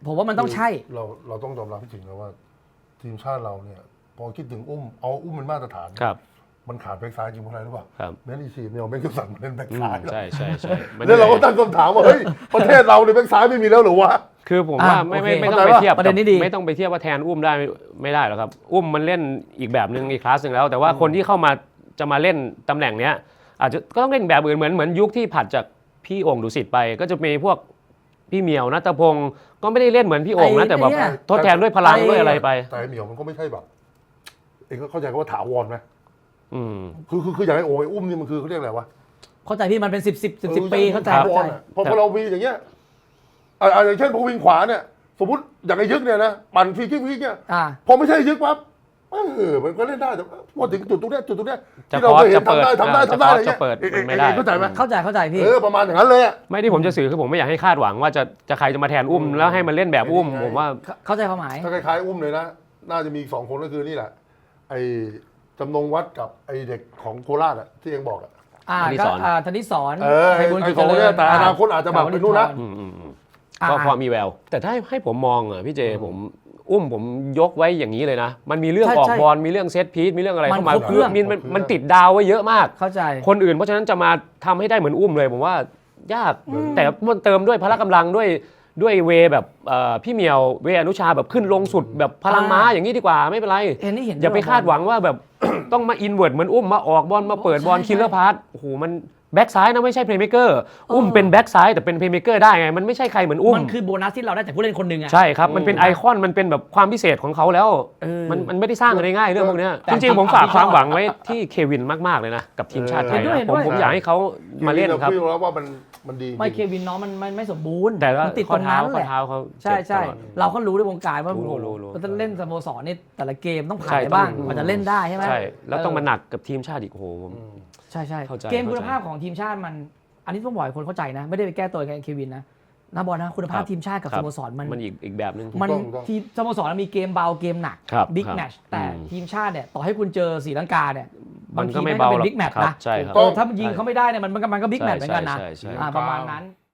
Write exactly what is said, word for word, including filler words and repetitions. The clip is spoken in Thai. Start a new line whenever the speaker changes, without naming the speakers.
ผมว่ามันต้องใช่
เราเราต้องยอมรับจริงๆนะว่าทีมชาติเราเนี่ยพอคิดถึงอุ้มเอาอุ้มเป็นมาตรฐานมันขาดแบ็คซ้ายจริงเพราะอะไรรู้ป่ะแมนอีชีเนี่ยแม่งก็สั่งมาเล่นแบ็คซ้าย
ใช่ใช่ใช่
แล้วเราก็ตั้งคำถามว่าเฮ้ยประเทศเราในแบ็คซ้ายไม่มีแล้วหรือวะ
คือผมว่าไม่ไม่ไม่ต้องไปเทียบไม่ต้องไปเทียบว่าแทนอุ้มได้ไม่ได้หรอกครับอุ้มมันเล่นอีกแบบนึงอีกคลาสนึงแล้วแต่ว่าคนที่เข้ามาจะมาเล่นตำแหน่งเนี้ยอาจจะก็ต้องเล่นแบบอื่นเหมือนเหมือนยุคที่ผัดจากพี่โอ่งดุสิตไปก็จะมีพวกพี่เหมียวณัฐพงศ์ก็ไม่ได้เล่นเหมือนพี่โอ่งนะแต่แบบทดแทนด้วยพลังด้วยอะไรไป
แต่เหมียวมันก็ไม่ใช่แบบเองก็เข้าใจว่าถาวรไหม
อืม
คือคือคืออย่างไอ้โอ่งไอ้อุ้มนี่มันคือเขาเรียกอะไรวะ
เข้าใจพี่มันเป็นสิบสิบสิบสิบปีเข้าใจเข้าใจ
พอพอเรามีอย่างเงี้ยอ่าอย่างเช่นพอวิ่งขวาเนี่ยสมมติอย่างไอ้ยึกเนี่ยนะปั่นฟรีคิกฟรีคิกเนี่ยพอไม่ใช่ยึกปั๊บเออมันก็เล่นได้แต่พอถึงจุดตรงเนี้ยจุดตรงเนี้ยที่เราเคยเห็นทำได้ทำได้ทำได้อะไรเงี้ย
ไม่ได้
เข้าใจไหม
เข้าใจเข้าใจพี่
เออประมาณอย่างนั้นเลยอ่ะ
ไม่ที่ผมจะสื่อคือผมไม่อยากให้คาดหวังว่าจะจะใครจะมาแทนอุ้มแล้วให้มันเล่นแบบอุ้มผมว่า
เข้าใจความหมาย
ถ้าคล้ายๆอุ้มเลยนะน่าจะมีสองคนก็คือนี่แหละไอ้จำนงวัดกับไอ้เด็กของโคราชอ่ะที่เองบอกอ่ะ
อ่าก็ธนิสร
เออไอ้สองคนเนี่ยแต่อนาคตอาจจะแบบเป็นนู่นนะ
ก็พอมีแววแต่ถ้าให้ผมมองอ่ะพี่เจผมอุ้มผมยกไว้อย่างนี้เลยนะมันมีเรื่องออกบอลมีเรื่องเซตพีซมีเรื่องอะไรเข้ามาเพื่อมันมันติดดาวไว้เยอะมาก
เข้าใจ
คนอื่นเพราะฉะนั้นจะมาทำให้ได้เหมือนอุ้มเลยผมว่ายากแต่มันเติมด้วยพละกำลังด้วยด้วยเวแบบพี่เหมียวเวอนุชาแบบขึ้นลงสุดแบบพลังม้าอย่างนี้ดีกว่าไม่เป็นไรอย่าไปคาดหวังว่าแบบต้องมาอินเวิร์ดเหมือนอุ้มมาออกบอลมาเปิดบอลคิลเลอร์พาสโอ้โหมันแบ็กซ้ายนะไม่ใช่เพลย์เมคเกอร์อุ้มเป็นแบ็กซ้ายแต่เป็นเพลย์เมคเกอร์ได้ไงมันไม่ใช่ใครเหมือนอุ้ม
มันคือโบนัสที่เราได้จากผู้เล่นคนหนึ่งอ่ะ
ใช่ครับมันเป็นไอคอนมันเป็นแบบความพิเศษของเขาแล้วมันมันไม่ได้สร้างกันง่ายเรื่องพวกนี้จริงๆผมฝากความหวังไว้ที่เควินมากๆเลยนะกับทีมชาติไทยผมผมอยากให้เขามาเล่นครับ
พี่รู้แล้วว่ามันมันดี
ไม่เควินน้องมันมันไม่สมบูรณ์
แต่
ติดตรงนั้นแหละใช่ใช่เราก็รู้ในวงการว่าเราจะเล่นสโมสรนี่แต่ละเกมต้องผ่านบ้างมันจะเล่นได้ใช่ไหม
ใช่แล้วต้องมาหนักกับทีมชาติอีกโอ้โห
ใช่ใช่เกมคุณภาพของทีมชาติมันอันนี้ต้องบอกให้คนเข้าใจนะไม่ได้ไปแก้ตัวกับเควินนะนะบอลนะคุณภาพทีมชาติกับสโมสรมัน
มันอีกอีกแบบนึง
มันทีมสโมสรมีเกมเบาเกมหนักบิ๊กแมตช์แต่ทีมชาติเนี่ยต่อให้คุณเจอศรีลังกาเนี่ยบางทีไม่เป็นบิ๊กแมตช์นะถ้ายิงเขาไม่ได้เนี่ยมันมันก็บิ๊กแมตช์เหมือนกันนะประมาณนั้น